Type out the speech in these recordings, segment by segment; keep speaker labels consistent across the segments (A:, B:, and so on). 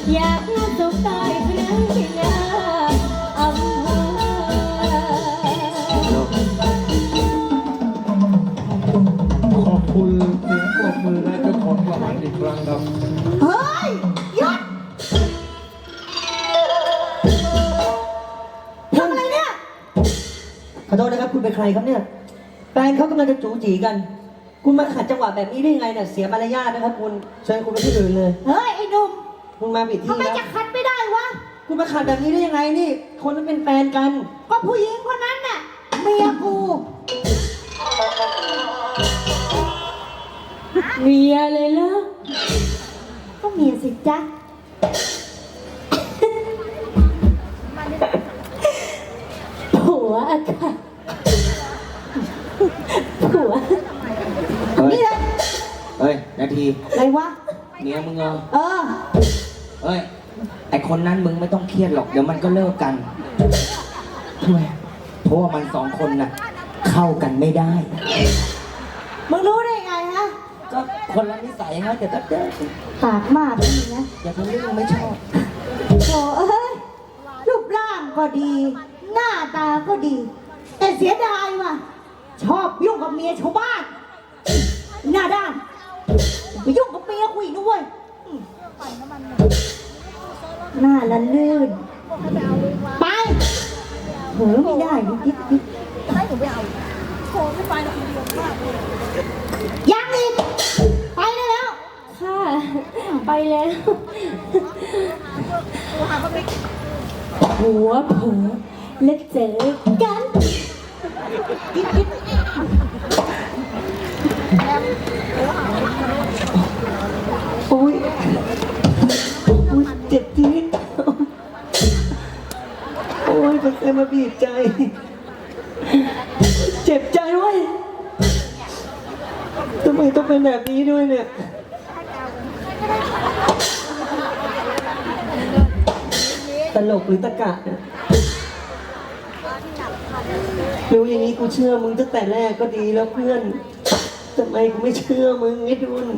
A: อยากรู้สุขตายครั้งที่หน้าอำเภอ
B: ขอบคุณเสียงปรบมือและเจ้าของรางวัลอีกครั้งครับ
C: เฮ้ยหยุดทำอะไรเนี่ย
D: ขอโทษนะครับคุณเป็นใครครับเนี่ยแฟนเขากำลังจะจู๋จีกัน คุณมาขัดจังหวะแบบนี้ได้ไงเนี่ยเสียมารยาทนะครับคุณเชิญคุณไปที่อื่นเลย
C: เฮ้ยไอ้หนุ่ม
D: คุณมาผิด
C: ทำ
D: ที่
C: ไม
D: แล้ว
C: จะคัดไม่ได้วะ
D: คุณมาขัดแบบนี้ได้ยังไงนี่ คนนั้นเป็นแฟนกัน
C: ก็ผู้หญิงคนนั้นน่ะเมียกู
A: เมียเลยเหรอ
C: ก็เมียสิจ๊ะ
A: ผัวอะค่ะผัว
C: นี่เลย
E: เฮ้ย นาที
C: อะไรวะ
E: เมียมึงเหรอ
C: เออ
E: เฮ้ย ไอคนนั้นมึงไม่ต้องเครียดหรอก เดี๋ยวมันก็เลิกกันทำไมเพราะว่ามันสองคนน่ะ เข้ากันไม่ได้
C: มึงรู้ได้ไงฮะ
E: ก็คนละนิสัยฮะเดี๋ยวก็เจอ
C: ปากมากนี่นะ
E: อย่าทำเรื่องไม่ชอบ
C: โถ่เอ้ย รูปร่างก็ดี หน้าตาก็ดี แต่เสียดายว่ะ ชอบยุ่งกับเมียชาวบ้าน หน้าด้านไปยุ่งกับเมียกูอีกด้วยหน้าละลื่น ไปเหือไม่ได้นิดยังอีก ไปได้แล้ว
A: ค่ะไปแล้วหัวเผลอแล้วเจอกัน
D: โอ้ยโอ้ยเจ็บจี๊ดโอ้ยเป็นใครมาบีบใจ เจ็บใจเว้ยทำไมต้องเป็นแบบนี้ด้วยเนี่ย ตลกหรือตะกะเนี่ยรู้อย่างนี้กูเชื่อมึงตั้งแต่แรกก็ดีแล้วเพื่อนทำไมกูไม่เชื่อมึงไอ้ดุน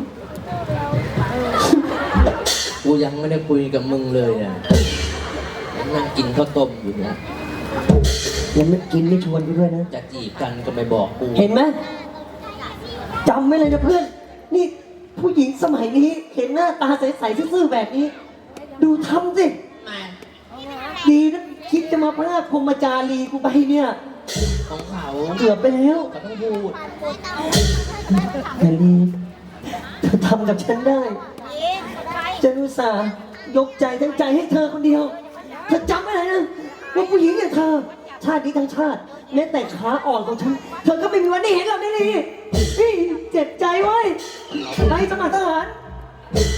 F: กูยังไม่ได้คุยกับมึงเลยเนี่ยนั่งกินข้าวต้มอยู่เนี่ย
D: ยังไม่กินไม่ชวนกูด้วยนะ
F: จะจีบกันก็ไม่บอกกู
D: เห็นไหมจำไว้เลยนะเพื่อน นี่ผู้หญิงสมัยนี้ เห็นหน้าตาใสๆซื่อๆแบบนี้ ดูทำสิดีนะคิดจะมาพลาดพรหมจารีกูไปเนี่ย
F: ของเขา
D: เกือบไปแล้ว
F: เขาต้องพูด
D: แพรลีเธอทำกับฉันได้ฉันอุตส่าห์ยกใจทั้งใจให้เธอคนเดียว เธอจำไว้เลยนะว่าผู้หญิงอย่างเธอ ชาตินี้ทั้งชาติแม้แต่ขาอ่อนของฉัน เธอก็ไม่มีวันได้เห็นเราได้ดีนี่เจ็บใจเว้ยไปสมัครทหาร